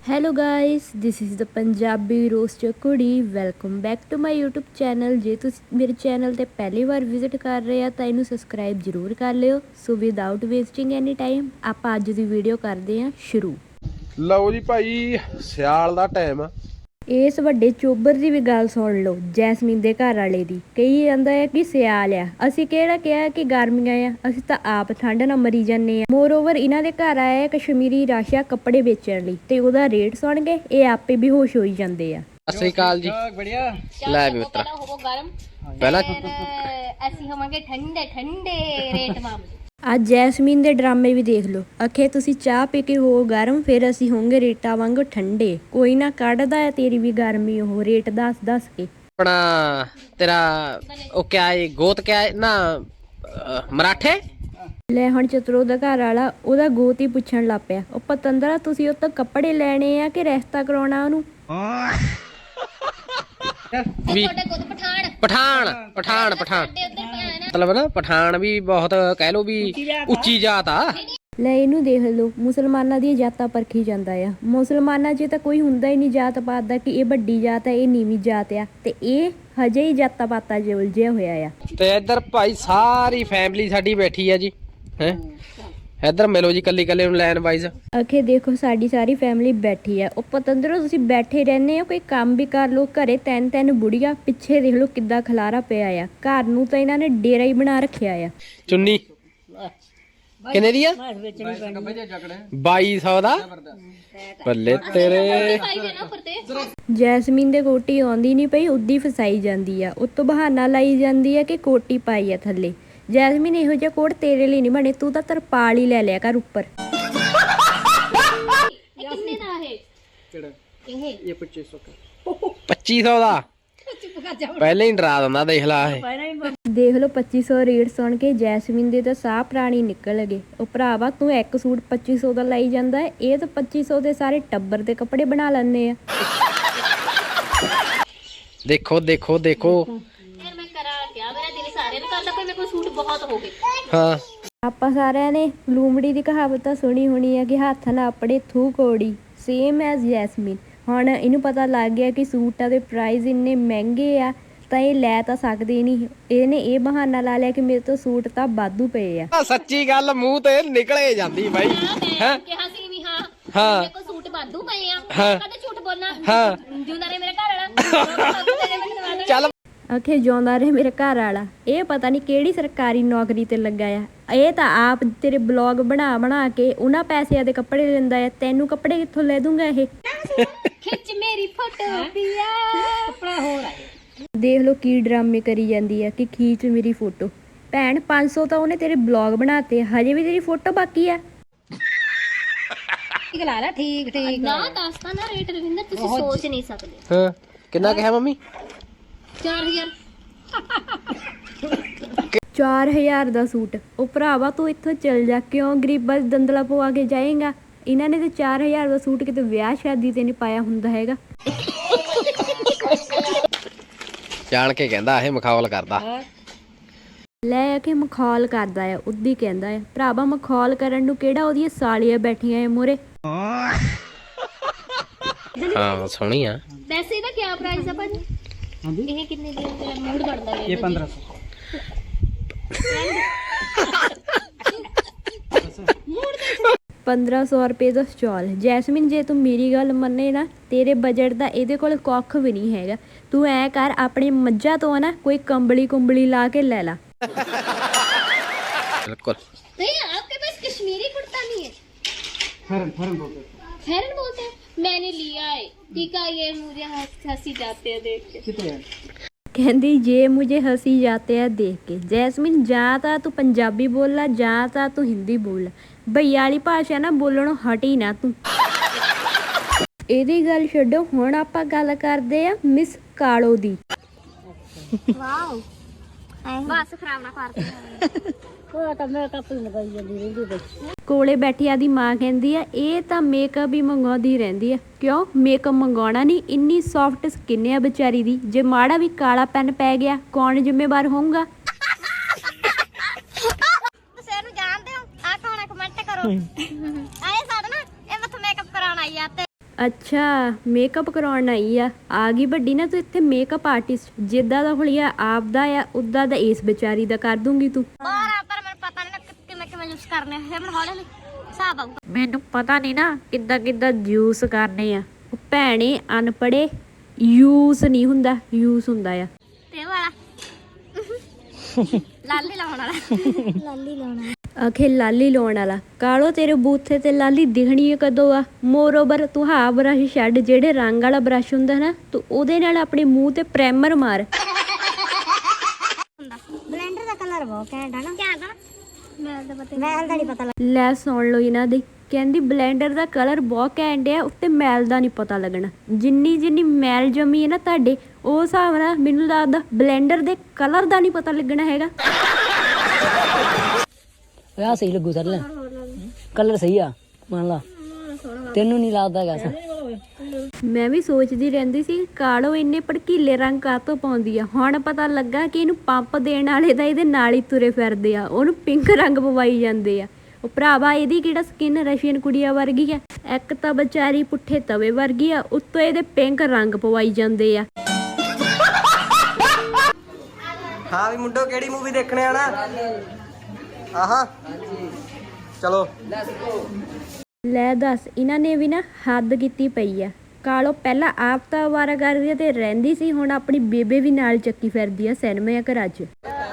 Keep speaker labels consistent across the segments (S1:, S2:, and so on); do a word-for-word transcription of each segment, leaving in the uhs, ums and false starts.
S1: Hello guys this is the Punjabi roaster कुड़ी welcome back to my YouTube channel. जे तुसीं मेरे चैनल ते पहली बार विजिट कर रहे हो तो इनू सबसक्राइब जरूर कर लियो। So without wasting any time आपां अज दी वीडियो करते हैं शुरू।
S2: लो जी भाई सियाल दा टाइम।
S1: इस वड्डे चोबर की भी गल सुन लो जैसमीन दे घर वाले दी। कही जांदा है कि सियाल आ, असीं किहड़ा कहा कि गर्मियां आ, असीं तां आप ठंड नाल मरी जाने आ। मोर ओवर इन्हां दे घर आया कश्मीरी राशा कपड़े बेचण लई ते ओहदा रेट सुन के ये आपे बेहोश होई जांदे आ।
S2: सत श्री अकाल जी।
S3: बढ़िया
S2: ਲੈ ਵੀ ਮਿੱਤਰਾ
S3: ਹੋਵੋ ਗਰਮ
S2: ਪਹਿਲਾਂ
S3: ਅਸੀਂ ਹੋਵਾਂਗੇ ਠੰਡੇ ਠੰਡੇ ਰੇਟ ਮਾਮਲੇ।
S1: ਅੱਜ ਜੈਸਮੀਨ ਦੇ ਡਰਾਮੇ ਵੀ ਦੇਖ ਲਓ। ਅਖੇ ਤੁਸੀਂ ਚਾਹ ਪੀ ਕੇ ਹੋ ਗਰਮ ਫਿਰ ਅਸੀਂ ਹੋਵਾਂਗੇ ਰੇਟਾਂ ਵਾਂਗੂ ਠੰਡੇ। ਕੋਈ ਨਾ ਕੱਢਦਾ ਹੈ ਤੇਰੀ ਵੀ ਗਰਮੀ ਉਹ ਰੇਟ ਦੱਸ ਦੱਸ ਕੇ।
S2: ਆਪਣਾ ਤੇਰਾ ਉਹ ਕਿਆ ਹੈ ਗੋਤ ਕਿਆ ਹੈ ਨਾ ਅਹ, ਮਰਾਠੇ
S1: ਲੈ ਹੁਣ ਚਤਰੋ ਦਾ ਘਰ ਵਾਲਾ ਉਹਦਾ ਗੋਤ ਹੀ ਪੁੱਛਣ ਲੱਗ ਪਿਆ। ਉਹ ਪਤੰਦਰਾ ਤੁਸੀਂ ਉਹ ਤੋਂ ਕੱਪੜੇ ਲੈਣੇ ਆ ਕਿ ਰਿਸ਼ਤਾ ਕਰਾਉਣਾ ਉਹਨੂੰ?
S2: ਵੀ
S3: ਤੁਹਾਡੇ ਕੋਲ ਪਠਾਨ
S2: ਪਠਾਨ ਪਠਾਨ ਪਠਾਨ
S3: ਸਾਡੇ ਉੱਧਰ ਭੈਣ
S2: ਮਤਲਬ ਨਾ ਪਠਾਨ ਵੀ ਬਹੁਤ ਕਹਿ ਲੋ ਵੀ ਉੱਚੀ ਜਾਤ ਆ।
S1: ਲੈ ਇਹਨੂੰ ਦੇਖ ਲਓ ਮੁਸਲਮਾਨਾਂ ਦੀਆਂ ਜਾਤਾਂ ਪਰਖੀ ਜਾਂਦਾ ਆ। ਮੁਸਲਮਾਨਾਂ 'ਚ ਤਾਂ ਕੋਈ ਹੁੰਦਾ ਹੀ ਨਹੀਂ ਜਾਤ ਪਾਤ ਦਾ ਕਿ ਇਹ ਵੱਡੀ ਜਾਤ ਹੈ ਇਹ ਨੀਵੀਂ ਜਾਤ ਆ, ਤੇ ਇਹ ਹਜੇ ਹੀ ਜਾਤਾਂ ਪਾਤਾਂ 'ਚ ਉਲਝਿਆ ਹੋਇਆ ਆ।
S2: ਤੇ ਇੱਧਰ ਭਾਈ ਸਾਰੀ ਫੈਮਿਲੀ ਸਾਡੀ ਬੈਠੀ ਆ ਜੀ ਹੈ। ਇੱਧਰ ਮਿਲੋ ਜੀ ਕੱਲੀ ਕੱਲੇ ਨੂੰ ਲਾਈਨ ਵਾਈਜ਼।
S1: ਅਖੇ ਦੇਖੋ ਸਾਡੀ ਸਾਰੀ ਫੈਮਿਲੀ ਬੈਠੀ ਆ। ਉਹ ਪਤੰਦਰੋ ਤੁਸੀਂ ਬੈਠੇ ਰਹਿੰਦੇ ਹੋ ਕੋਈ ਕੰਮ ਵੀ ਕਰ ਲਓ। ਘਰੇ ਤਿੰਨ ਤਿੰਨ ਬੁੜੀਆਂ ਪਿੱਛੇ ਦੇਖ ਲਓ ਕਿੱਦਾਂ ਖਲਾਰਾ ਪਿਆ ਆ। ਘਰ ਨੂੰ ਤਾਂ ਇਹਨਾਂ ਨੇ ਡੇਰਾ ਹੀ ਬਣਾ ਰੱਖਿਆ ਆ।
S2: ਚੁੰਨੀ ਕਿੰਨੇ ਦੀ ਆ? ਬਾਈ ਸੌ ਦਾ। ਬੱਲੇ ਤੇਰੇ।
S3: ਭਾਈ ਦੇ ਨਾ ਫਰਤੇ
S1: ਜੈਸਮੀਨ ਦੇ ਕੋਟੀ ਆਉਂਦੀ ਨਹੀਂ ਪਈ ਉੱਦੀ ਫਸਾਈ ਜਾਂਦੀ ਆ। ਉਤੋਂ ਬਹਾਨਾ ਲਾਈ ਜਾਂਦੀ ਆ ਕਿ ਕੋਟੀ ਪਾਈ ਆ ਥੱਲੇ। ਜੈਸਮੀਨ ਇਹੋ ਜਿਹਾ ਕੋਟ ਤੇਰੇ ਲਈ ਨਹੀਂ ਬਣੇ, ਤੂੰ ਤਾਂ ਤਰਪਾਲ ਹੀ ਲੈ ਲਿਆ ਕਰ ਉੱਪਰ।
S3: ਇਹ ਕਿੰਨੇ ਦਾ ਹੈ ਕਿਹੜਾ ਇਹ
S2: ਇਹ ਪੱਚੀ ਸੌ ਪੱਚੀ ਸੌ ਦਾ ਪਹਿਲੇ ਹੀ ਡਰਾ ਦਿੰਦਾ। ਦੇਖ ਲਾ ਇਹ
S1: ਦੇਖ ਲਓ ਪੱਚੀ ਸੌ ਰੇਟ ਸੁਣ ਕੇ ਜੈਸਮੀਨ ਦੇ ਤਾਂ ਸਾਹ ਪ੍ਰਾਣੀ ਨਿਕਲ ਗਏ। ਉਹ ਭਰਾਵਾ ਤੂੰ ਇੱਕ ਸੂਟ ਪੱਚੀ ਸੌ ਦਾ ਲਾਈ ਜਾਂਦਾ ਹੈ, ਇਹ ਤਾਂ ਪੱਚੀ ਸੌ ਦੇ ਸਾਰੇ ਟੱਬਰ ਦੇ ਕੱਪੜੇ ਬਣਾ ਲੈਂਦੇ ਆ।
S2: ਦੇਖੋ ਦੇਖੋ ਦੇਖੋ
S3: ਯਾਰ ਮੈਂ ਕਰਾਂ ਕਿਆ, ਮੇਰਾ ਦਿਲ ਸਾਰਿਆਂ ਨੂੰ ਕਰਦਾ ਕੋਈ ਮੇਰੇ ਕੋਲ ਸੂਟ ਬਹੁਤ ਹੋ ਗਏ।
S2: ਹਾਂ
S1: ਆਪਾਂ ਸਾਰਿਆਂ ਨੇ ਲੂੰਬੜੀ ਦੀ ਕਹਾਵਤ ਤਾਂ ਸੁਣੀ ਹੋਣੀ ਆ ਕਿ ਹੱਥ ਨਾਲ ਆਪਣੇ ਥੂ ਕੋੜੀ ਸੇਮ ਐਜ਼ ਜੈਸਮੀਨ। ਹੁਣ ਇਹਨੂੰ ਪਤਾ ਲੱਗ ਗਿਆ ਕਿ ਸੂਟਾਂ ਦੇ ਪ੍ਰਾਈਸ ਇੰਨੇ ਮਹਿੰਗੇ ਆ ਤਾਂ ਇਹ ਲੈ ਤਾਂ ਸਕਦੇ ਨਹੀਂ। ਇਹਨੇ ਇਹ ਬਹਾਨਾ ਲਾ ਲਿਆ ਕਿ ਮੇਰੇ ਤੋਂ ਸੂਟ ਤਾਂ ਵਾਧੂ ਪਏ ਆ।
S2: ਸੱਚੀ ਗੱਲ ਮੂੰਹ ਤੇ ਨਿਕਲੇ ਜਾਂਦੀ ਬਾਈ
S3: ਮੈਂ ਕਿਹਾ ਸੀ ਵੀ ਹਾਂ
S2: ਹਾਂ
S3: ਮੇਰੇ ਕੋਲ ਸੂਟ ਵਾਧੂ ਪਏ ਆ।
S2: ਹਾਂ।
S3: ਕਦੇ ਝੂਠ ਬੋਲਣਾ
S2: ਹਾਂ।
S3: ਜਿਉਂਦਾ ਨੇ ਮੇਰਾ ਘਰ ਵਾਲਾ
S2: ਚੱਲ
S1: ਅਖੇ ਜਿਉਂਦਾ ਰਹੇ ਮੇਰੇ ਘਰ ਵਾਲਾ। ਇਹ ਪਤਾ ਨਹੀਂ ਕਿਹੜੀ ਸਰਕਾਰੀ ਨੌਕਰੀ ਤੇ ਲੱਗਾ ਆ। ਇਹ ਤਾਂ ਆਪ ਤੇਰੇ ਬਲੌਗ ਬਣਾ ਬਣਾ ਕੇ ਉਹਨਾਂ ਪੈਸਿਆਂ ਦੇ ਕੱਪੜੇ ਲੈਂਦਾ ਆ। ਤੈਨੂੰ ਕੱਪੜੇ ਕਿੱਥੋਂ ਲੈ ਦੂੰਗਾ ਇਹ?
S3: ਖਿੱਚ ਮੇਰੀ ਫੋਟੋ ਪਿਆ ਕੱਪੜਾ ਹੋਰ ਆਏ।
S1: ਦੇਖ ਲਓ ਕੀ ਡਰਾਮੇ ਕਰੀ ਜਾਂਦੀ ਆ ਕਿ ਖੀਚ ਮੇਰੀ ਫੋਟੋ। ਭੈਣ ਪੰਜ ਸੌ ਤਾਂ ਉਹਨੇ ਤੇਰੇ ਬਲੌਗ ਬਣਾਤੇ, ਹਜੇ ਵੀ ਤੇਰੀ ਫੋਟੋ ਬਾਕੀ ਆ।
S3: ਠੀਕ ਲਾ ਲੈ ਠੀਕ ਠੀਕ ਨਾ ਦੱਸਦਾ ਨਾ ਰੇਟ ਰਵਿੰਦਰ ਤੁਸੀਂ ਸੋਚ ਨਹੀਂ ਸਕਦੇ।
S2: ਹਾਂ ਕਿੰਨਾ ਕਿਹਾ ਮੰਮੀ?
S3: ਚਾਰ ਹਜ਼ਾਰ
S1: ਚਾਰ ਹਜ਼ਾਰ ਦਾ ਸੂਟ। ਉਹ ਭਰਾਵਾ ਤੂੰ ਇੱਥੋਂ ਚੱਲ ਜਾ, ਕਿਉਂ ਗਰੀਬਾਂ ਦੀ ਦੰਦਲਾ ਪਵਾ ਕੇ ਜਾਏਗਾ? ਇਹਨਾਂ ਨੇ ਤੇ ਚਾਰ ਹਜ਼ਾਰ ਦਾ ਸੂਟ ਕਿਤੇ ਵਿਆਹ ਸ਼ਾਦੀ ਤੇ ਨਹੀਂ ਪਾਇਆ ਹੁੰਦਾ ਹੈਗਾ।
S2: ਜਾਣ ਕੇ ਕਹਿੰਦਾ ਇਹ ਮਖੌਲ ਕਰਦਾ।
S1: ਲੈ ਕੇ ਮਖੌਲ ਕਰਦਾ ਆ, ਉੱਦੀ ਕਹਿੰਦਾ ਆ। ਭਰਾਵਾ ਮਖੌਲ ਕਰਨ ਨੂੰ ਕਿਹੜਾ ਉਹਦੀਆਂ ਸਾਲੀਆਂ ਬੈਠੀਆਂ ਆ ਮੂਹਰੇ।
S2: ਹਾਂ ਸੋਹਣੀ ਆ।
S3: ਵੈਸੇ ਇਹਦਾ ਕੀ ਪ੍ਰਾਈਸ ਆ ਭਾਜੀ? ਇਹ ਕਿੰਨੇ ਦੀ ਤੇਰਾ ਮੂਡ ਬਣਦਾ ਹੈ? ਇਹ ਪੰਦਰਾਂ ਸੌ।
S1: ਪੰਦਰਾਂ ਸੌ ਰੁਪਏ ਦਾ ਸਟਾਲ। ਜੈਸਮੀਨ ਜੇ ਤੂੰ ਮੇਰੀ ਗੱਲ ਮੰਨੇ ਨਾ ਤੇਰੇ ਬਜਟ ਦਾ ਇਹਦੇ ਕੋਲ ਕੱਖ ਵੀ ਨਹੀਂ ਹੈਗਾ। ਤੂੰ ਐ ਕਰ ਆਪਣੀ ਮੱਝਾਂ ਤੋਂ ਨਾ ਕੋਈ ਕੰਬਲੀ ਕੁੰਬਲੀ ਲਾ ਕੇ ਲੈ ਲਾ।
S2: ਬਿਲकुल
S3: नहीं आपके पास कश्मीरी कुर्ता नहीं है? फेरन फेरन बोलते हैं। फेरन बोलते हैं। मैंने लिया है ठीक है। ये मुझे हंस- हंसी जाते हैं देख के।
S1: ਕਹਿੰਦੀ ਜੇ ਮੁਝੇ ਹਸੀ ਜਾਤੇ ਆ ਦੇਖ ਕੇ। ਜੈਸਮੀਨ ਜਾਂ ਤਾਂ ਤੂੰ ਪੰਜਾਬੀ ਬੋਲ ਜਾਂ ਤਾਂ ਤੂੰ ਹਿੰਦੀ ਬੋਲ। ਭਈਆ ਵਾਲੀ ਭਾਸ਼ਾ ਨਾ ਬੋਲਣੋਂ ਹਟੀ ਨਾ ਤੂੰ। ਇਹਦੀ ਗੱਲ ਛੱਡੋ, ਹੁਣ ਆਪਾਂ ਗੱਲ ਕਰਦੇ ਆ ਮਿਸ ਕਾਲੋ ਦੀ।
S3: वाओ बस खराब ना कर
S1: ਕੋਲੇ ਬੈਠੀ ਆਦੀ ਮਾਂ ਕਹਿੰਦੀ ਆ ਇਹ ਤਾਂ ਮੇਕਅਪ ਹੀ ਮੰਗਾਉਂਦੀ ਰਹਿੰਦੀ ਆ। ਕਿਉਂ ਮੇਕਅਪ ਮੰਗਾਉਣਾ ਨਹੀਂ? ਇੰਨੀ ਸੌਫਟ ਸਕਿਨ ਆ ਵਿਚਾਰੀ ਦੀ। ਜੇ ਮਾੜਾ ਵੀ ਕਾਲਾ ਪੈਨ ਪੈ ਗਿਆ ਕੌਣ ਜ਼ਿੰਮੇਵਾਰ ਹੋਊਗਾ?
S3: ਤੁਸੀਂ ਇਹਨੂੰ ਜਾਣਦੇ ਹੋ? ਆ ਕੌਣ ਕਮੈਂਟ ਕਰੋ। ਆਏ ਸਾਡਾ ਨਾ ਇਹ ਮੱਥ ਮੇਕਅਪ ਕਰਾਉਣ ਆਈ ਆ ਤੇ
S1: ਅੱਛਾ ਮੇਕਅਪ ਕਰਾਉਣ ਆਈ ਆ ਆ ਗਈ ਵੱਡੀ ਨਾ ਤੂੰ ਇੱਥੇ ਮੇਕਅਪ ਆਰਟਿਸਟ ਜਿੱਦਾਂ ਦਾ ਹੁਲੀਆ ਆਪਦਾ ਆ ਉਦਾਂ ਦਾ ਇਸ ਵਿਚਾਰੀ ਦਾ ਕਰ ਦੂੰਗੀ ਤੂੰ
S3: ਪਰ ਮੈਨੂੰ ਪਤਾ ਨਹੀਂ ਨਾ ਕਿਵੇਂ ਕਿਵੇਂ ਯੂਜ਼ ਕਰਨੇ ਆ ਫਿਰ ਮੈਨੂੰ ਹੌਲੀ ਹੌਲੀ ਹਿਸਾਬ ਆਊਗਾ
S1: ਮੈਨੂੰ ਪਤਾ ਨਹੀਂ ਨਾ ਕਿੱਦਾਂ ਕਿੱਦਾਂ ਜੂਸ ਕਰਨੇ ਆ ਉਹ ਭੈਣੇ ਅਨਪੜੇ ਯੂਸ ਨਹੀਂ ਹੁੰਦਾ ਯੂਸ ਹੁੰਦਾ ਆ
S3: ਤੇ ਵਾਲਾ ਲਾਲੀ ਲਾਉਣ ਵਾਲਾ ਲਾਲੀ ਲਾਉਣਾ
S1: ਆਖੇ ਲਾਲੀ ਲਾਉਣ ਵਾਲਾ ਕਾਲੋ ਤੇਰੇ ਬੂਥੇ ਤੇ ਲਾਲੀ ਦਿਖਣੀ ਹੈ ਕਦੋਂ ਆ ਮੋਰਓਵਰ ਤੂੰ ਹਾਂ ਬਰਸ਼ ਛੱਡ ਜਿਹੜੇ ਰੰਗ ਵਾਲਾ ਬਰਸ਼ ਹੁੰਦਾ ਨਾ ਤੂੰ ਉਹਦੇ ਨਾਲ ਆਪਣੇ ਮੂੰਹ ਤੇ ਪ੍ਰਾਈਮਰ ਮਾਰ
S3: ਬਲੈਂਡਰ ਦਾ ਕਲਰ ਬਹੁਤ ਘੈਂਟ ਆ ਨਾ ਘੈਂਟ ਆ ਮੈਂ ਤਾਂ ਪਤਾ ਮੈਂ ਤਾਂ ਨਹੀਂ ਪਤਾ
S1: ਲੈ ਸੁਣ ਲਓ ਇਹਨਾਂ ਦੀ ਕਹਿੰਦੀ ਬਲੈਂਡਰ ਦਾ ਕਲਰ ਬਹੁਤ ਘੈਂਟ ਆ ਉੱਤੇ ਮੈਲ ਦਾ ਨਹੀਂ ਪਤਾ ਲੱਗਣਾ ਜਿੰਨੀ ਜਿੰਨੀ ਮੈਲ ਜਮੀ ਹੈ ਨਾ ਤੁਹਾਡੇ ਉਹ ਹਿਸਾਬ ਨਾਲ ਮੈਨੂੰ ਲੱਗਦਾ ਬਲੈਂਡਰ ਦੇ ਕਲਰ ਦਾ ਨਹੀਂ ਪਤਾ ਲੱਗਣਾ ਹੈਗਾ
S4: ਆ ਸਹੀ ਲੱਗੂ ਸਰ ਕਲਰ ਸਹੀ ਆ ਮੰਨ ਲਾ ਤੈਨੂੰ ਨਹੀਂ ਲੱਗਦਾ ਹੈਗਾ
S1: ਮੈਂ ਵੀ ਸੋਚਦੀ ਰਹਿੰਦੀ ਸੀ ਕਾਲੋ ਇੰਨੇ ਭੜਕੀਲੇ ਰੰਗ ਕਾਹਤੋਂ ਪਾਉਂਦੀ ਆ ਹੁਣ ਪਤਾ ਲੱਗਾ ਕਿ ਇਹਨੂੰ ਪੰਪ ਦੇਣ ਵਾਲੇ ਤਾਂ ਇਹਦੇ ਨਾਲ ਹੀ ਤੁਰੇ ਫਿਰਦੇ ਆ ਉਹਨੂੰ ਪਿੰਕ ਰੰਗ ਪਵਾਈ ਜਾਂਦੇ ਆ ਉਹ ਭਰਾਵਾ ਇਹਦੀ ਕਿਹੜਾ ਸਕਿਨ ਰਸ਼ੀਅਨ ਕੁੜੀਆਂ ਵਰਗੀ ਆ ਇੱਕ ਤਾਂ ਵਿਚਾਰੀ ਪੁੱਠੇ ਤਵੇ ਵਰਗੀ ਆ ਉੱਤੋਂ ਇਹਦੇ ਪਿੰਕ ਰੰਗ ਪਵਾਈ ਜਾਂਦੇ ਆ
S5: ਹਾਂ ਵੀ ਮੁੰਡੋ ਕਿਹੜੀ ਮੂਵੀ ਦੇਖਣੇ ਆਣਾ ਆਹਾ ਚਲੋ
S1: ਲੈ ਦੱਸ ਇਹਨਾਂ ਨੇ ਵੀ ਨਾ ਹੱਦ ਕੀਤੀ ਪਈ ਆ ਕਾਲੋ ਪਹਿਲਾਂ ਆਪ ਤਾਂ ਅਵਾਰਾ ਕਰਦੀ ਤੇ ਰਹਿੰਦੀ ਸੀ ਹੁਣ ਆਪਣੀ ਬੇਬੇ ਵੀ ਨਾਲ ਚੱਕੀ ਫਿਰਦੀ ਆ ਸਿਨੇਮਾ ਘਰਾਂ 'ਚ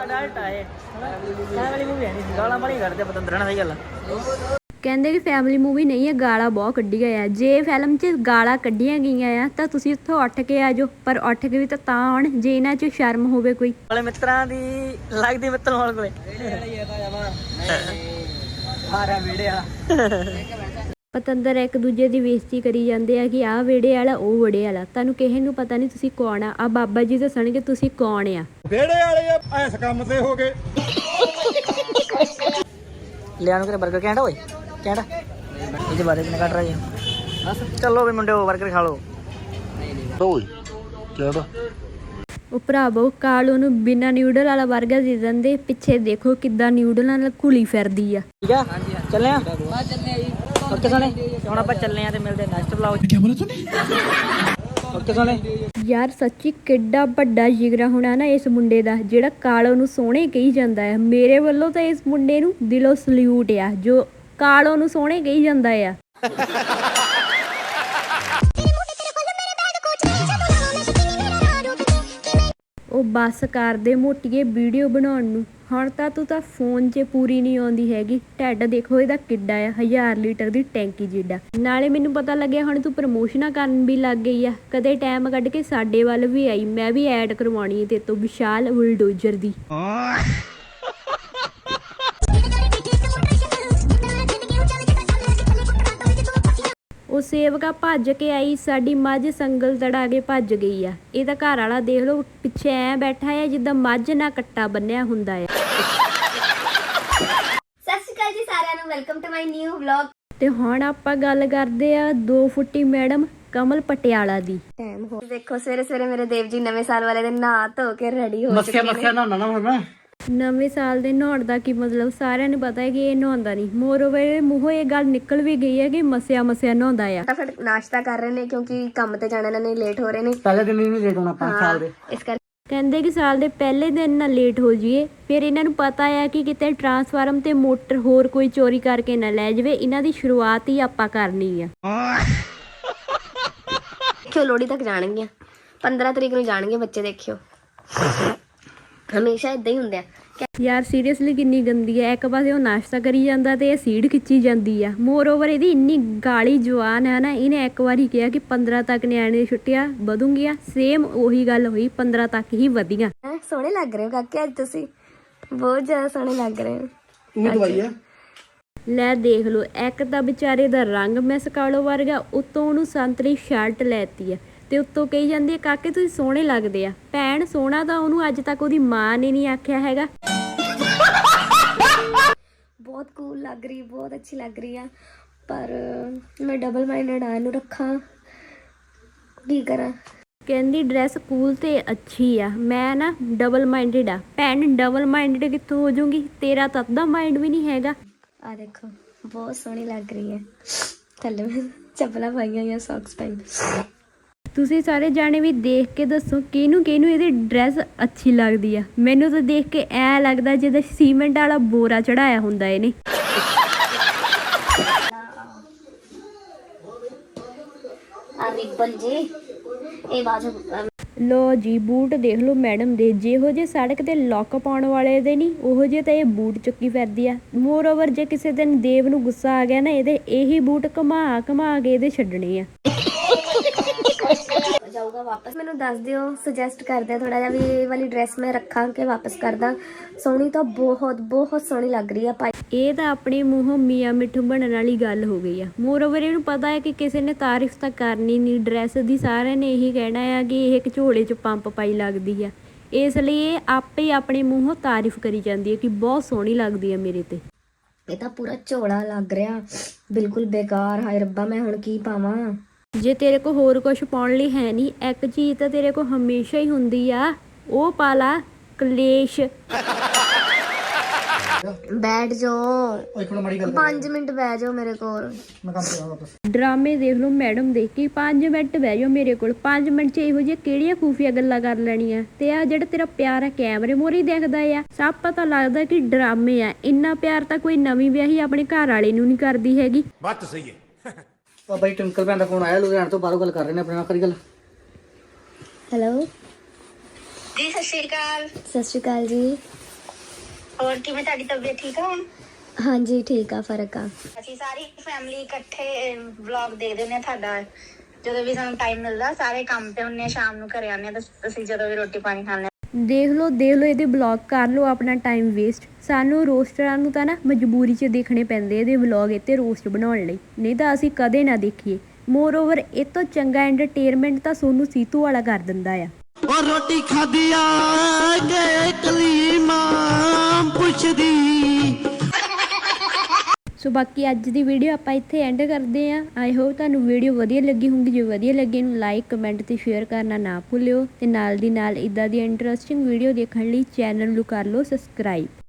S1: ਕਹਿੰਦੇ ਕਿ ਫੈਮਿਲੀ ਮੂਵੀ ਨਹੀਂ ਹੈ ਗਾਲਾਂ ਬਹੁਤ ਕੱਢੀਆਂ ਆ ਜੇ ਫਿਲਮ 'ਚ ਗਾਲਾਂ ਕੱਢੀਆਂ ਗਈਆਂ ਆ ਤਾਂ ਤੁਸੀਂ ਉੱਥੋਂ ਉੱਠ ਕੇ ਆ ਜਾਓ ਪਰ ਉੱਠ ਕੇ ਵੀ ਤਾਂ ਤਾਂ ਆਉਣ ਜੇ ਇਹਨਾਂ 'ਚ ਸ਼ਰਮ ਹੋਵੇ ਕੋਈ
S4: ਵਾਲੇ ਮਿੱਤਰਾਂ ਦੀ ਲੱਗਦੀ ਮਿੱਤਰ ਹੋਣ ਕੋਲੇ ਹਾਰਾ ਵੀੜਿਆ
S1: ਪਤੰਦਰ ਇੱਕ ਦੂਜੇ ਦੀ ਬੇਇੱਜ਼ਤੀ ਕਰੀ ਜਾਂਦੇ ਆ ਕਿ ਆਹ ਵਿਹੜੇ ਵਾਲਾ ਉਹ ਵਿਹੜੇ ਵਾਲਾ ਤੁਹਾਨੂੰ ਕਿਸੇ ਨੂੰ ਪਤਾ ਨਹੀਂ ਤੁਸੀਂ ਕੌਣ ਆ ਆ ਬਾਬਾ ਜੀ ਦੱਸਣਗੇ ਤੁਸੀਂ ਕੌਣ ਆ
S6: ਵਿਹੜੇ ਵਾਲੇ ਆ ਇਸ ਕੰਮ ਤੇ ਹੋ ਗਏ
S4: ਲਿਆ ਨੂੰ ਕਰੇ 버ਗਰ ਕਹਿੰਦਾ ਓਏ ਕਹਿੰਦਾ ਇਹਦੇ ਬਾਰੇ ਕਿੰਨਾ ਕੱਟ ਰਹੇ ਬਸ ਚੱਲੋ ਵੀ ਮੁੰਡਿਓ 버ਗਰ ਖਾ ਲਓ
S6: ਓਏ ਕਿਹੜਾ
S1: ਉਹ ਭਰਾਵੋ ਕਾਲੂ ਨੂੰ ਬਿਨਾਂ ਨਿਊਡਲ ਵਾਲਾ 버ਗਰ ਦੇ ਦਿੰਦੇ ਪਿੱਛੇ ਦੇਖੋ ਕਿੱਦਾਂ ਨਿਊਡਲਾਂ ਨਾਲ ਘੁਲੀ ਫਿਰਦੀ ਆ
S4: ਠੀਕ ਆ ਚੱਲੇ ਆ ਬਾ ਚੱਲੇ ਆ ਜੀ ਓਕੇ ਸੋਨੇ ਹੁਣ ਆਪਾਂ ਚੱਲੇ ਆ ਤੇ ਮਿਲਦੇ ਨੈਕਸਟ ਵਲੌਗ ਕੀ ਬੋਲਿਆ ਤੂੰ ਓਕੇ ਸੋਨੇ
S1: ਯਾਰ ਸੱਚੀ ਕਿੱਡਾ ਵੱਡਾ ਜਿਗਰਾ ਹੋਣਾ ਨਾ ਇਸ ਮੁੰਡੇ ਦਾ ਜਿਹੜਾ ਕਾਲੋ ਨੂੰ ਸੋਹਣੇ ਕਹੀ ਜਾਂਦਾ ਹੈ ਮੇਰੇ ਵੱਲੋਂ ਤਾਂ ਇਸ ਮੁੰਡੇ ਨੂੰ ਦਿਲੋਂ ਸਲੂਟ ਆ ਜੋ ਕਾਲੋ ਨੂੰ ਸੋਹਣੇ ਕਹੀ ਜਾਂਦਾ ਆ ਉਹ ਬੱਸ ਕਰਦੇ ਮੋਟੀਏ ਵੀਡੀਓ ਬਣਾਉਣ ਨੂੰ ਹੁਣ ਤਾਂ ਤੂੰ ਤਾਂ ਫੋਨ 'ਚ ਪੂਰੀ ਨਹੀਂ ਆਉਂਦੀ ਹੈਗੀ ਢਿੱਡ ਦੇਖੋ ਇਹਦਾ ਕਿੱਡਾ ਆ ਹਜ਼ਾਰ ਲੀਟਰ ਦੀ ਟੈਂਕੀ ਜਿੱਡਾ ਨਾਲੇ ਮੈਨੂੰ ਪਤਾ ਲੱਗਿਆ ਹੁਣ ਤੂੰ ਪ੍ਰਮੋਸ਼ਨਾਂ ਕਰਨ ਵੀ ਲੱਗ ਗਈ ਆ ਕਦੇ ਟਾਈਮ ਕੱਢ ਕੇ ਸਾਡੇ ਵੱਲ ਵੀ ਆਈ ਮੈਂ ਵੀ ਐਡ ਕਰਵਾਉਣੀ ਹੈ ਤੇਰੇ ਤੋਂ ਵਿਸ਼ਾਲ ਬੁਲਡੋਜ਼ਰ ਦੀ ਉਹ ਸੇਵਕਾ ਭੱਜ ਕੇ ਆਈ ਸਾਡੀ ਮੱਝ ਸੰਗਲ ਤੜਾ ਕੇ ਭੱਜ ਗਈ ਆ ਇਹਦਾ ਘਰ ਵਾਲਾ ਦੇਖ ਲਓ ਪਿੱਛੇ ਐ ਬੈਠਾ ਆ ਜਿੱਦਾਂ ਮੱਝ ਨਾਲ ਕੱਟਾ ਬੰਨਿਆ ਹੁੰਦਾ ਆ
S3: ਸਤਿ ਸ਼੍ਰੀ ਅਕਾਲ ਜੀ ਸਾਰਿਆਂ ਨੂੰ welcome to my new vlog
S1: ਤੇ ਹੁਣ ਆਪਾਂ ਗੱਲ ਕਰਦੇ ਆ ਦੋ ਫੁੱਟੀ ਮੈਡਮ ਕਮਲ ਪਟਿਆਲਾ ਦੀ
S3: ਟਾਈਮ ਹੋ ਦੇਖੋ ਸਵੇਰੇ ਸਵੇਰੇ ਮੇਰੇ ਦੇਵ ਜੀ ਨਵੇਂ ਸਾਲ ਵਾਲੇ ਦਿਨ ਨਹਾ ਧੋ ਕੇ ਰੈਡੀ ਹੋ ਚੁੱਕੇ ਨੇ
S6: ਨਾ ਨਾ ਮੈਂ
S1: ਨਵੇਂ ਸਾਲ ਦੇ ਨਹਾਉਣ ਦਾ ਕੀ ਮਤਲਬ ਸਾਰਿਆਂ ਨੂੰ ਪਤਾ ਹੈ ਕਿ ਇਹ ਨਹਾਉਂਦਾ ਨਹੀਂ ਮੋਰਓਵਰ ਮੂੰਹੋਂ ਇਹ ਗੱਲ ਨਿਕਲ ਵੀ ਗਈ ਹੈ ਕਿ ਮਸਿਆ ਮਸਿਆ ਨਹਾਉਂਦਾ ਆ
S3: ਫਟਾਫਟ ਨਾਸ਼ਤਾ ਕਰ ਰਹੇ ਨੇ ਕਿਉਂਕਿ ਕੰਮ ਤੇ ਜਾਣਾ ਇਹਨਾਂ ਨੇ ਲੇਟ ਹੋ ਰਹੇ ਨੇ
S4: ਪਹਿਲੇ ਦਿਨ ਹੀ ਨਹੀਂ ਲੇਟ ਹੋਣਾ ਪੰਜ ਸਾਲ ਦੇ
S3: ਇਸ ਕਰਕੇ
S1: ਕਹਿੰਦੇ ਕਿ ਸਾਲ ਦੇ ਪਹਿਲੇ ਦਿਨ ਨਾ ਲੇਟ ਹੋ ਜਾਈਏ ਫਿਰ ਇਹਨਾਂ ਨੂੰ ਪਤਾ ਆ ਕਿ ਕਿਤੇ ਟਰਾਂਸਫਾਰਮ ਤੇ ਮੋਟਰ ਹੋਰ ਕੋਈ ਚੋਰੀ ਕਰਕੇ ਨਾ ਲੈ ਜਾਵੇ ਇਹਨਾਂ ਦੀ ਸ਼ੁਰੂਆਤ ਹੀ ਆਪਾਂ ਕਰਨੀ ਆ
S3: ਦੇਖਿਓ ਲੋਹੜੀ ਤੱਕ ਜਾਣਗੀਆਂ ਪੰਦਰਾਂ ਤਰੀਕ ਨੂੰ ਜਾਣਗੇ ਬੱਚੇ ਦੇਖਿਓ ਹਮੇਸ਼ਾ ਇਦਾਂ ਹੀ ਹੁੰਦਾ ਹੈ
S1: ਯਾਰ ਸੀਰੀਅਸਲੀ ਕਿੰਨੀ ਗੰਦੀ ਹੈ ਇੱਕ ਪਾਸੇ ਉਹ ਨਾਸ਼ਤਾ ਕਰੀ ਜਾਂਦਾ ਤੇ ਇਹ ਸੀੜ ਖਿੱਚੀ ਜਾਂਦੀ ਆ ਮੋਰ ਓਵਰ ਇਹਦੀ ਇੰਨੀ ਗਾਲੀ ਜਵਾਨ ਹੈ ਨਾ ਇਹਨੇ ਇੱਕ ਵਾਰੀ ਕਿਹਾ ਕਿ ਪੰਦਰਾਂ ਤੱਕ ਨਿਆਣੇ ਦੀ ਛੁੱਟੀਆਂ ਵਧੂਗੀਆਂ ਸੇਮ ਉਹੀ ਗੱਲ ਹੋਈ ਪੰਦਰਾਂ ਤੱਕ ਹੀ ਵਧੀਆਂ
S3: ਹੈਂ, ਸੋਹਣੇ ਲੱਗ ਰਹੇ ਹੋ ਕਾਕੇ ਅੱਜ ਤੁਸੀਂ ਬਹੁਤ ਜ਼ਿਆਦਾ ਸੋਹਣੇ ਲੱਗ ਰਹੇ ਹੋ
S6: ਤੂੰ ਦਵਾਈ ਆ
S1: ਲੈ ਦੇਖ ਲਓ ਇੱਕ ਤਾਂ ਵਿਚਾਰੇ ਦਾ ਰੰਗ ਮਿਸ ਕਾਲੋ ਵਰਗਾ ਉੱਤੋਂ ਉਹਨੂੰ ਸੰਤਰੀ ਸ਼ਰਟ ਲੈਤੀ ਆ ਤੇ ਉੱਤੋਂ ਕਹੀ ਜਾਂਦੀ ਹੈ ਕਾਕੇ ਤੁਸੀਂ ਸੋਹਣੇ ਲੱਗਦੇ ਆ ਭੈਣ ਸੋਹਣਾ ਤਾਂ ਉਹਨੂੰ ਅੱਜ ਤੱਕ ਉਹਦੀ ਮਾਂ ਨੇ ਨਹੀਂ ਆਖਿਆ ਹੈਗਾ
S3: ਬਹੁਤ ਕੂਲ ਲੱਗ ਰਹੀ ਬਹੁਤ ਅੱਛੀ ਲੱਗ ਰਹੀ ਆ ਪਰ ਮੈਂ ਡਬਲ ਮਾਈਂਡਡ ਆ ਇਹਨੂੰ ਰੱਖਾਂ ਕੀ ਕਰਾਂ
S1: ਕਹਿੰਦੀ ਡਰੈਸ ਕੂਲ ਤੇ ਅੱਛੀ ਆ ਮੈਂ ਨਾ ਡਬਲ ਮਾਈਂਡਡ ਆ ਭੈਣ ਡਬਲ ਮਾਈਂਡਡ ਕਿੱਥੋਂ ਹੋ ਜਾਊਂਗੀ ਤੇਰਾ ਤਾਂ ਅੱਧਾ ਮਾਈਂਡ ਵੀ ਨਹੀਂ ਹੈਗਾ
S3: ਆ ਦੇਖੋ ਬਹੁਤ ਸੋਹਣੀ ਲੱਗ ਰਹੀ ਹੈ ਥੱਲੇ ਮੈਂ ਚੱਪਲਾਂ ਪਾਈਆਂ ਜਾਂ ਸੌਕਸ ਪਾਈ।
S1: ਤੁਸੀਂ ਸਾਰੇ ਜਾਣੇ ਵੀ ਦੇਖ ਕੇ ਦੱਸੋ ਕਿਹਨੂੰ ਕਿਹਨੂੰ ਇਹਦੀ ਡਰੈਸ ਅੱਛੀ ਲੱਗਦੀ ਆ। ਮੈਨੂੰ ਤਾਂ ਦੇਖ ਕੇ ਐ ਲੱਗਦਾ ਜਿੱਦਾਂ ਸੀਮੈਂਟ ਵਾਲਾ ਬੋਰਾ ਚੜਾਇਆ ਹੁੰਦਾ ਇਹਨੇ।
S3: ਆ ਰਿਬਨ ਜੀ ਇਹ ਬਾਜੂ
S1: ਲੋ ਜੀ ਬੂਟ ਦੇਖ ਲਓ ਮੈਡਮ ਦੇ, ਜਿਹੋ ਜਿਹੇ ਸੜਕ ਤੇ ਲੌਕ ਪਾਉਣ ਵਾਲੇ ਦੇ ਨਹੀਂ ਉਹੋ ਜਿਹੇ ਤਾਂ ਇਹ ਬੂਟ ਚੁੱਕੀ ਫਿਰਦੀ ਆ। ਮੋਰ ਓਵਰ ਜੇ ਕਿਸੇ ਦਿਨ ਦੇਵ ਨੂੰ ਗੁੱਸਾ ਆ ਗਿਆ ਨਾ ਇਹਦੇ ਇਹੀ ਬੂਟ ਘੁਮਾ ਘੁਮਾ ਕੇ ਇਹਦੇ ਛੱਡਣੇ ਆ।
S3: ਜਾਊਗਾ ਵਾਪਸ। ਮੈਨੂੰ ਦੱਸ ਦਿਓ, ਸੁਜੈਸਟ ਕਰਦੇ ਥੋੜਾ ਜਿਹਾ ਵੀ ਇਹ ਵਾਲੀ ਡਰੈਸ ਮੈਂ ਰੱਖਾਂ ਕਿ ਵਾਪਸ ਕਰਦਾ। ਸੋਹਣੀ ਤਾਂ ਬਹੁਤ ਬਹੁਤ ਸੋਹਣੀ ਲੱਗ ਰਹੀ ਆ ਭਾਈ।
S1: ਇਹ ਤਾਂ ਆਪਣੇ ਮੂੰਹੋਂ ਮੀਆਂ ਮਿੱਠੂ ਬਣਨ ਵਾਲੀ ਗੱਲ ਹੋ ਗਈ ਆ। ਮੋਰ ਓਵਰ ਇਹਨੂੰ ਪਤਾ ਹੈ ਕਿ ਕਿਸੇ ਨੇ ਤਾਰੀਫ ਤਾਂ ਕਰਨੀ ਨਹੀਂ ਡਰੈਸ ਦੀ, ਸਾਰਿਆਂ ਨੇ ਇਹੀ ਕਹਿਣਾ ਆ ਕਿ ਇਹ ਇੱਕ ਝੋਲੇ 'ਚ ਪੰਪ ਪਾਈ ਲੱਗਦੀ ਆ। ਇਸ ਲਈ ਇਹ ਆਪੇ ਹੀ ਆਪਣੇ ਮੂੰਹੋਂ ਤਾਰੀਫ ਕਰੀ ਜਾਂਦੀ ਹੈ ਕਿ ਬਹੁਤ ਸੋਹਣੀ ਲੱਗਦੀ ਆ ਮੇਰੇ ਤੇ।
S3: ਇਹ ਤਾਂ ਪੂਰਾ ਝੋਲਾ ਲੱਗ ਰਿਹਾ, ਬਿਲਕੁਲ ਬੇਕਾਰ। ਹਾਏ ਰੱਬਾ ਮੈਂ ਹੁਣ ਕੀ ਪਾਵਾਂ।
S1: ਜੇ ਤੇਰੇ ਕੋਲ ਹੋਰ ਕੁਝ ਪਾਉਣ ਲਈ ਹੈ ਨਹੀਂ, ਇੱਕ ਚੀਜ਼ ਤਾਂ ਤੇਰੇ ਕੋਲ ਹਮੇਸ਼ਾ ਹੀ ਹੁੰਦੀ ਆ, ਉਹ ਪਾ ਲਾ ਕਲੇਸ਼।
S3: ਬੈਠ ਜਾਓ,
S6: ਇੱਕ ਮਿੰਟ ਮਾੜੀ ਗੱਲ
S3: ਪੰਜ ਮਿੰਟ ਬਹਿ ਜਾਓ ਮੇਰੇ ਕੋਲ।
S6: ਮੈਂ ਕੰਮ ਕਰਾਂ ਵਾਪਸ।
S1: ਡਰਾਮੇ ਦੇਖ ਲਓ ਮੈਡਮ ਦੇ ਕਿ ਪੰਜ ਮਿੰਟ ਬਹਿ ਜਾਓ ਮੇਰੇ ਕੋਲ। ਪੰਜ ਮਿੰਟ 'ਚ ਇਹੋ ਜਿਹੀਆਂ ਕਿਹੜੀਆਂ ਖੂਫੀਆ ਗੱਲਾਂ ਕਰ ਲੈਣੀਆਂ। ਤੇ ਆ ਜਿਹੜਾ ਤੇਰਾ ਪਿਆਰ ਆ ਕੈਮਰੇ ਮੋਰੀ ਦੇਖਦਾ ਆ, ਸਭ ਪਤਾ ਲੱਗਦਾ ਕਿ ਡਰਾਮੇ ਆ। ਇੰਨਾ ਪਿਆਰ ਤਾਂ ਕੋਈ ਨਵੀਂ ਵਿਆਹੀ ਆਪਣੇ ਘਰ ਵਾਲੇ ਨੂੰ ਨਹੀਂ ਕਰਦੀ ਹੈਗੀ।
S6: ਬਾਤ ਸਹੀ ਹੈ।
S4: ਉਹ ਬਾਈ ਟਵਿੰਕਲ ਭੈਣ ਦਾ ਫੋਨ ਆਇਆ, ਲੁਧਿਆਣੇ ਤੋਂ, ਬਾਹਰੋਂ ਗੱਲ ਕਰ ਰਹੇ ਨੇ ਆਪਣੇ ਨਾਲ, ਕਰੀ ਗੱਲ।
S3: ਹੈਲੋ
S7: ਜੀ ਸਤਿ ਸ਼੍ਰੀ ਅਕਾਲ।
S3: ਸਤਿ ਸ਼੍ਰੀ ਅਕਾਲ ਜੀ।
S7: ਹੋਰ ਕਿਵੇਂ ਤੁਹਾਡੀ ਤਬੀਅਤ ਠੀਕ ਆ ਹੁਣ?
S3: ਹਾਂਜੀ ਠੀਕ ਆ, ਫਰਕ ਆ।
S7: ਅਸੀਂ ਸਾਰੀ ਫੈਮਿਲੀ ਇਕੱਠੇ ਵਲੌਗ ਦੇਖਦੇ ਹੁੰਦੇ ਆ ਤੁਹਾਡਾ। ਜਦੋਂ ਵੀ ਸਾਨੂੰ ਟਾਈਮ ਮਿਲਦਾ, ਸਾਰੇ ਕੰਮ ਤੇ ਹੁੰਨੇ ਆ, ਸ਼ਾਮ ਨੂੰ ਘਰੇ ਆਉਂਦੇ ਆ ਤਾਂ ਅਸੀਂ ਜਦੋਂ ਵੀ ਰੋਟੀ ਪਾਣੀ ਖਾਂਦੇ ਆ।
S1: ਦੇਖ ਲਓ ਦੇਖ ਲਓ ਇਹਦੇ ਵਲੌਗ ਕਰ ਲਓ ਆਪਣਾ ਟਾਈਮ ਵੇਸਟ। ਸਾਨੂੰ ਰੋਸਟਰਾਂ ਨੂੰ ਤਾਂ ਨਾ ਮਜਬੂਰੀ 'ਚ ਦੇਖਣੇ ਪੈਂਦੇ ਇਹਦੇ ਵਲੌਗ ਇੱਥੇ ਰੋਸਟ ਬਣਾਉਣ ਲਈ, ਨਹੀਂ ਤਾਂ ਅਸੀਂ ਕਦੇ ਨਾ ਦੇਖੀਏ। ਮੋਰ ਓਵਰ ਇਹ ਤੋਂ ਚੰਗਾ ਐਂਟਰਟੇਨਮੈਂਟ ਤਾਂ ਸੋਨੂੰ ਸੀਤੂ ਵਾਲਾ ਕਰ ਦਿੰਦਾ ਆ।
S8: ਉਹ ਰੋਟੀ ਖਾਦੀ ਆ ਕੇ ਕਲੀ ਮਾਂ ਪੁੱਛਦੀ।
S1: ਸੋ ਬਾਕੀ ਅੱਜ ਦੀ ਵੀਡੀਓ ਆਪਾਂ ਇੱਥੇ ਐਂਡ ਕਰਦੇ ਆਂ। ਆਈ ਹੋਪ ਤੁਹਾਨੂੰ ਵੀਡੀਓ ਵਧੀਆ ਲੱਗੀ ਹੋਊਗੀ। ਜੇ ਵਧੀਆ ਲੱਗੀ ਇਹਨੂੰ ਲਾਈਕ ਕਮੈਂਟ ਤੇ ਸ਼ੇਅਰ ਕਰਨਾ ਨਾ ਭੁੱਲਿਓ। ਤੇ ਨਾਲ ਦੀ ਨਾਲ ਇਦਾਂ ਦੀ ਇੰਟਰਸਟਿੰਗ ਵੀਡੀਓ ਦੇਖਣ ਲਈ ਚੈਨਲ ਨੂੰ ਕਰ ਲਓ ਸਬਸਕ੍ਰਾਈਬ।